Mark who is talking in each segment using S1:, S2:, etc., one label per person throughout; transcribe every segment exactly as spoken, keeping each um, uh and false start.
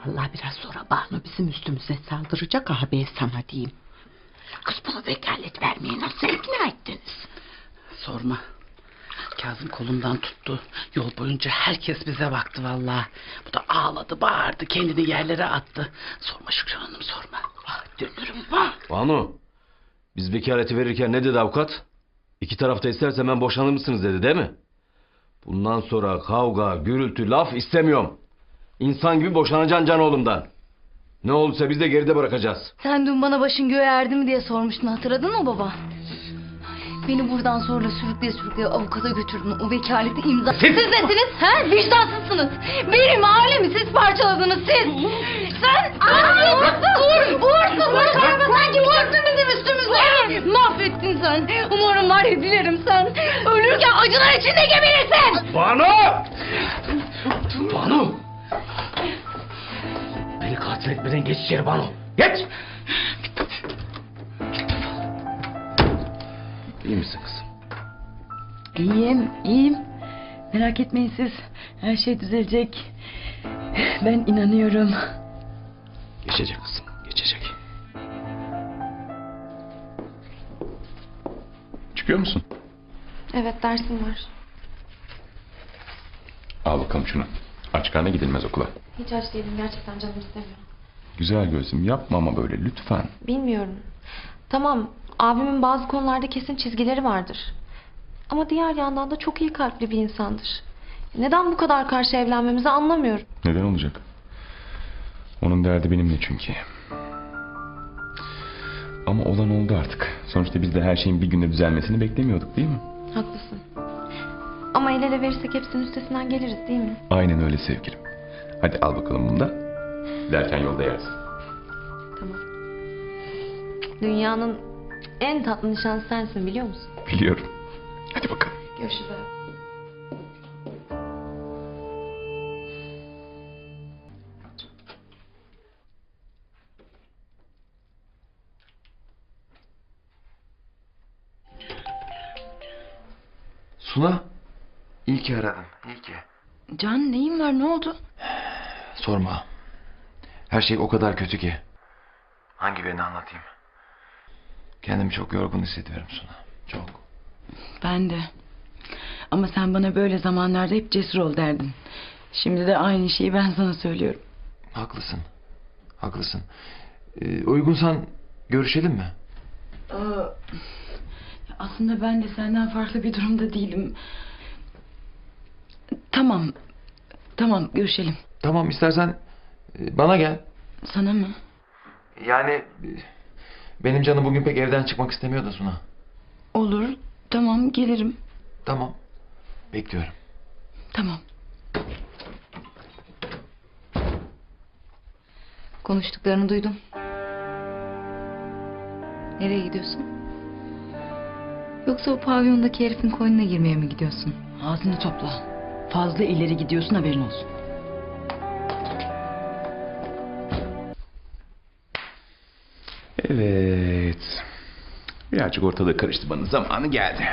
S1: Vallahi biraz sonra Banu bizim üstümüze saldıracak abi, sana diyeyim. Kız, bunu vekalet vermeye nasıl ikna ettiniz?
S2: Sorma. Kazım kolumdan tuttu. Yol boyunca herkes bize baktı vallahi. Bu da ağladı, bağırdı, kendini yerlere attı. Sorma Şükran Hanım, sorma.
S1: Ah, dönürüm bak.
S3: Banu, biz vekaleti verirken ne dedi avukat? İki tarafta isterse hemen boşanır mısınız dedi, değil mi? Bundan sonra kavga, gürültü, laf istemiyorum. İnsan gibi boşanacaksın can oğlumdan. Ne olursa biz de geride bırakacağız.
S4: Sen dün bana başın göğe erdi mi diye sormuştun, hatırladın mı baba? Beni buradan sonra sürükleye sürükleye avukata götürdün, o vekaleti imza... Siz, siz nesiniz? He? Vicdansızsınız. Benim ailemi siz parçaladınız, siz. Sen... Aa, uğursuz! Uğursuz! Uğursuz! Sanki uğursuz bizim üstümüzde. Mahvettin sen. Umarım var ya, dilerim sen ölürken acılar içinde geberirsin.
S3: Banu! Banu! Beni katil etmeden geç içeri Banu. Geç! İyi misin kızım?
S5: İyiyim, iyiyim. Merak etmeyin siz. Her şey düzelecek. Ben inanıyorum.
S3: Geçecek kızım, geçecek.
S6: Çıkıyor musun?
S7: Evet, dersim var.
S6: Al bakalım şunu. Aç karnına gidilmez okula.
S7: Hiç aç değilim, gerçekten canım istemiyor.
S6: Güzel gözüm, yapma ama böyle lütfen.
S7: Bilmiyorum. Tamam, abimin bazı konularda kesin çizgileri vardır. Ama diğer yandan da çok iyi kalpli bir insandır. Neden bu kadar karşı evlenmemizi anlamıyorum.
S6: Neden olacak? Onun derdi benimle çünkü. Ama olan oldu artık. Sonuçta biz de her şeyin bir günde düzelmesini beklemiyorduk, değil mi?
S7: Haklısın. Ama el ele verirsek hepsinin üstesinden geliriz, değil mi?
S6: Aynen öyle sevgilim. Hadi al bakalım bunu da. Derken yolda yersin.
S7: Tamam. Dünyanın en tatlı nişanlısı sensin, biliyor musun?
S6: Biliyorum. Hadi bakalım.
S7: Görüşürüz abi.
S8: Suna, iyi ki aradın, iyi ki.
S5: Can, neyin var, ne oldu?
S8: Sorma. Her şey o kadar kötü ki. Hangi birini anlatayım? Kendimi çok yorgun hissediyorum Suna, çok.
S5: Ben de. Ama sen bana böyle zamanlarda hep cesur ol derdin. Şimdi de aynı şeyi ben sana söylüyorum.
S8: Haklısın, haklısın. Ee, uygunsan görüşelim mi?
S5: Aa, aslında ben de senden farklı bir durumda değilim. Tamam. Tamam, görüşelim.
S8: Tamam, istersen e, bana gel.
S5: Sana mı?
S8: Yani e, benim canım bugün pek evden çıkmak istemiyor da Suna.
S5: Olur. Tamam, gelirim.
S8: Tamam, bekliyorum.
S5: Tamam.
S4: Konuştuklarını duydum. Nereye gidiyorsun? Yoksa o pavyondaki herifin koynuna girmeye mi gidiyorsun?
S5: Ağzını topla. Fazla ileri gidiyorsun, haberin olsun.
S6: Evet. Birazcık ortalığı karıştırmanın zamanı geldi.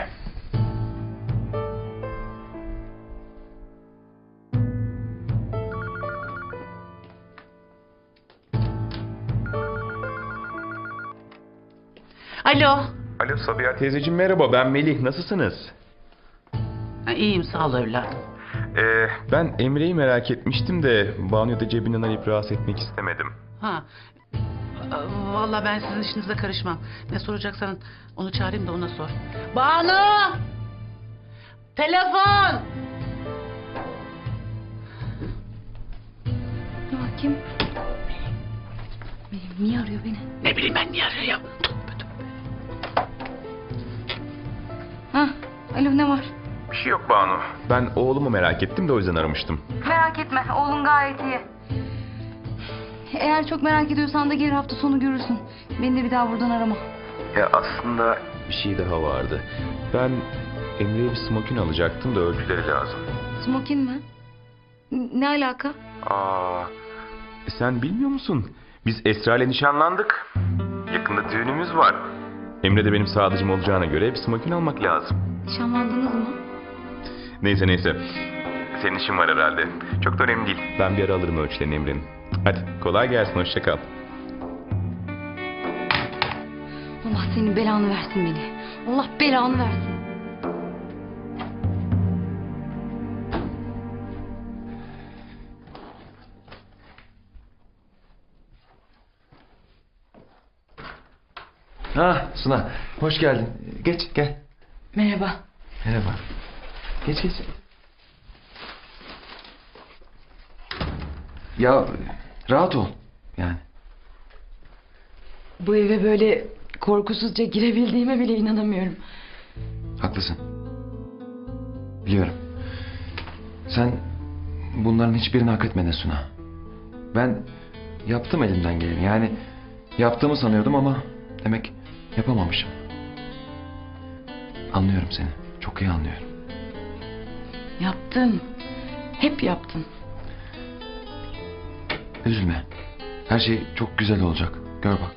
S2: Alo.
S6: Alo Sabiha teyzeciğim, merhaba, ben Melih, nasılsınız?
S2: Ha, iyiyim, sağ ol evladım.
S6: Ee, ben Emre'yi merak etmiştim de Banu'yu da cebinden alıp rahatsız etmek istemedim.
S2: Ha. Aa, Vallahi ben sizin işinize karışmam. Ne soracaksan onu çağırayım da ona sor. Banu! Telefon!
S4: Dur bakayım. Benim, niye arıyor beni?
S2: Ne bileyim ben, niye arıyor ya? Tövbe tövbe.
S4: Ha, alo, ne var?
S6: Bir şey yok Banu. Ben oğlumu merak ettim de o yüzden aramıştım.
S4: Merak etme, oğlun gayet iyi. Eğer çok merak ediyorsan da gelir, hafta sonu görürsün. Beni de bir daha buradan arama.
S6: Ya aslında bir şey daha vardı. Ben Emre'ye bir smokin alacaktım da ölçüleri lazım.
S4: Smokin mi? N- Ne alaka?
S6: Aa, e sen bilmiyor musun? Biz Esra ile nişanlandık. Yakında düğünümüz var. Emre de benim sadıcım olacağına göre bir smokin almak lazım.
S4: Nişanlandınız mı?
S6: Neyse neyse. Senin işin var herhalde. Çok da önemli değil. Ben bir ara alırım ölçülerini Emre'nin. Hadi kolay gelsin, hoşça kal.
S4: Allah senin belanı versin beni. Allah belanı versin.
S8: Ha Suna, hoş geldin. Geç, gel.
S5: Merhaba.
S8: Merhaba. Geç, geç. Ya rahat ol. Yani.
S5: Bu eve böyle korkusuzca girebildiğime bile inanamıyorum.
S8: Haklısın. Biliyorum. Sen bunların hiçbirini hak etmedin Suna. Ben yaptım elimden geleni. Yani yaptığımı sanıyordum ama demek yapamamışım. Anlıyorum seni. Çok iyi anlıyorum.
S5: Yaptın. Hep yaptın.
S8: Üzülme. Her şey çok güzel olacak. Gör bak.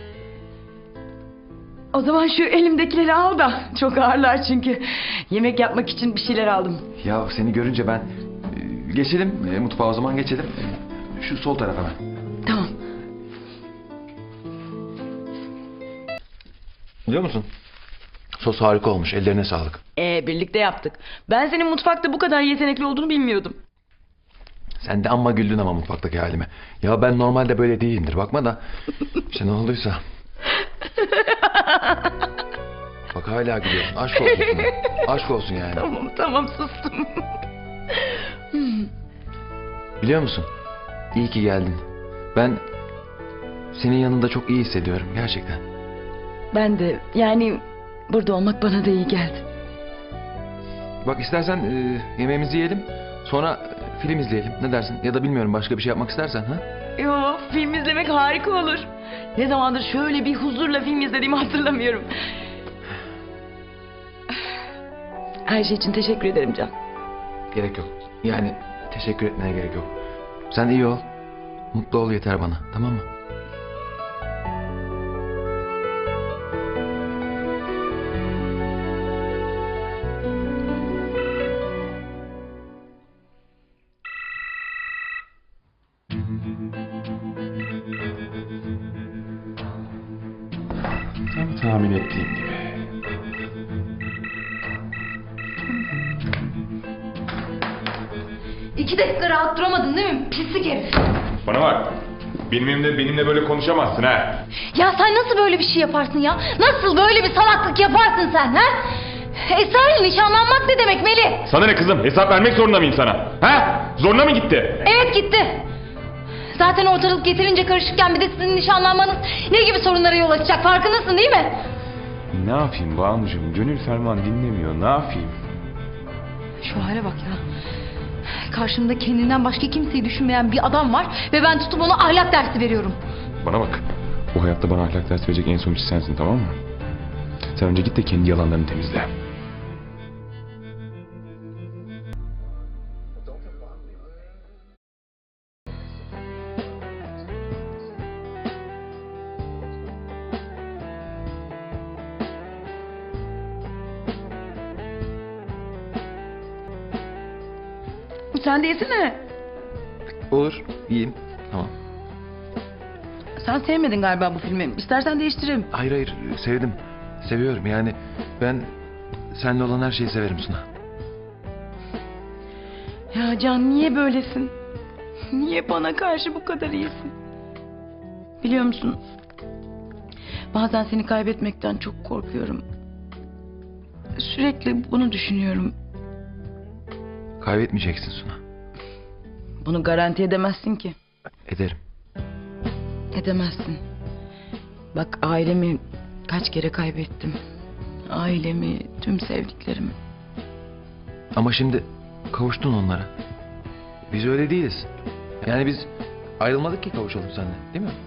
S5: O zaman şu elimdekileri al da. Çok ağırlar çünkü. Yemek yapmak için bir şeyler aldım.
S8: Ya seni görünce ben e, geçelim e, mutfağa o zaman geçelim. E, Şu sol tarafa ben.
S5: Tamam.
S8: Biliyor musun? Sos harika olmuş. Ellerine sağlık.
S5: Ee, birlikte yaptık. Ben senin mutfakta bu kadar yetenekli olduğunu bilmiyordum.
S8: Sen de amma güldün ama mutfaktaki halime. Ya ben normalde böyle değilimdir. Bakma da işte ne olduysa. Bak hala gülüyorsun. Aşk olsun sana. Aşk olsun yani.
S5: Tamam tamam sustum.
S8: Biliyor musun? İyi ki geldin. Ben senin yanında çok iyi hissediyorum. Gerçekten.
S5: Ben de yani burada olmak bana da iyi geldi.
S8: Bak istersen e, yemeğimizi yiyelim. Sonra e, film izleyelim. Ne dersin? Ya da bilmiyorum başka bir şey yapmak istersen. Ha?
S5: Yo, film izlemek harika olur. Ne zamandır şöyle bir huzurla film izlediğimi hatırlamıyorum. Her şey için teşekkür ederim Can.
S8: Gerek yok. Yani teşekkür etmene gerek yok. Sen iyi ol. Mutlu ol yeter bana. Tamam mı?
S6: Tam tahmin ettiğim gibi.
S4: İki dakika rahat duramadın değil mi? Pislik herif.
S6: Bana bak. Benimle, benimle böyle konuşamazsın ha.
S4: Ya sen nasıl böyle bir şey yaparsın ya? Nasıl böyle bir salaklık yaparsın sen ha? Esra'yla nişanlanmak ne demek Melih?
S6: Sana ne kızım? Hesap vermek zorunda mıyım sana? Ha? Zoruna mı gitti?
S4: Evet gitti. Zaten ortalık getirince karışıkken bir de sizin nişanlanmanız ne gibi sorunlara yol açacak farkındasın değil mi?
S6: Ne yapayım Banucuğum? Gönül ferman dinlemiyor. Ne yapayım?
S4: Şu hale bak ya. Karşımda kendinden başka kimseyi düşünmeyen bir adam var ve ben tutup ona ahlak dersi veriyorum.
S6: Bana bak. Bu hayatta bana ahlak dersi verecek en son kişi sensin, tamam mı? Sen önce git de kendi yalanlarını temizle.
S5: Sen de yesene.
S8: Olur. İyiyim. Tamam.
S5: Sen sevmedin galiba bu filmi. İstersen değiştireyim.
S8: Hayır hayır. Sevdim. Seviyorum. Yani ben seninle olan her şeyi severim Suna.
S5: Ya Can niye böylesin? Niye bana karşı bu kadar iyisin? Biliyor musun? Bazen seni kaybetmekten çok korkuyorum. Sürekli bunu düşünüyorum.
S8: Kaybetmeyeceksin Suna.
S5: Bunu garanti edemezsin ki.
S8: Ederim.
S5: Edemezsin. Bak ailemi kaç kere kaybettim. Ailemi, tüm sevdiklerimi.
S8: Ama şimdi kavuştun onlara. Biz öyle değiliz. Yani biz ayrılmadık ki kavuşalım seninle, değil mi?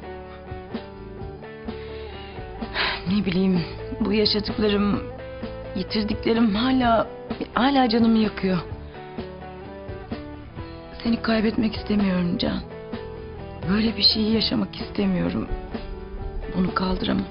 S5: Ne bileyim, bu yaşadıklarım, yitirdiklerim hala hala canımı yakıyor. Seni kaybetmek istemiyorum Can. Böyle bir şeyi yaşamak istemiyorum. Bunu kaldıramam.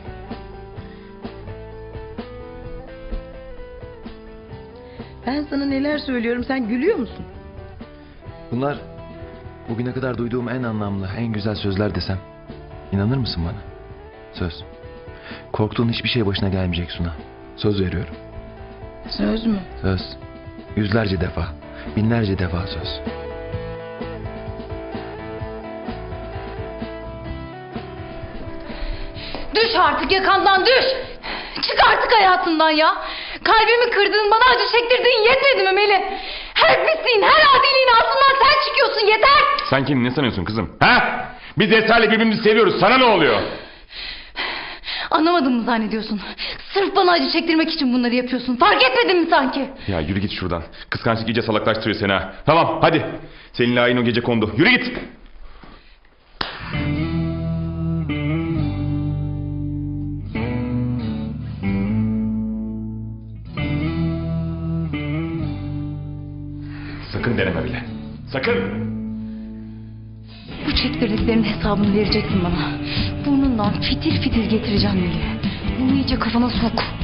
S5: Ben sana neler söylüyorum, sen gülüyor musun?
S8: Bunlar Bugüne kadar duyduğum en anlamlı, en güzel sözler desem. İnanır mısın bana? Söz. Korktuğun hiçbir şey başına gelmeyecek Suna. Söz veriyorum.
S5: Söz mü?
S8: Söz. Yüzlerce defa, binlerce defa söz.
S4: Düş artık yakamdan düş. Çık artık hayatımdan ya. Kalbimi kırdığın, bana acı çektirdiğin yetmedi mi Melih? Her pisliğin, her adiliğin altından sen çıkıyorsun, yeter.
S6: Sen kendini ne sanıyorsun kızım? Ha? Biz Esra'yla birbirimizi seviyoruz. Sana ne oluyor?
S4: Anlamadın mı zannediyorsun? Sırf bana acı çektirmek için bunları yapıyorsun. Fark etmedin mi sanki?
S6: Ya yürü git şuradan. Kıskançlık iyice salaklaştırıyor seni ha. Tamam hadi. Seninle ayın o gece kondu. Yürü git. Sakın deneme bile. Sakın.
S4: Bu çektirdiklerinin hesabını vereceksin bana. Burnundan fitil fitil getireceğim Melih. Bunu iyice kafana sok.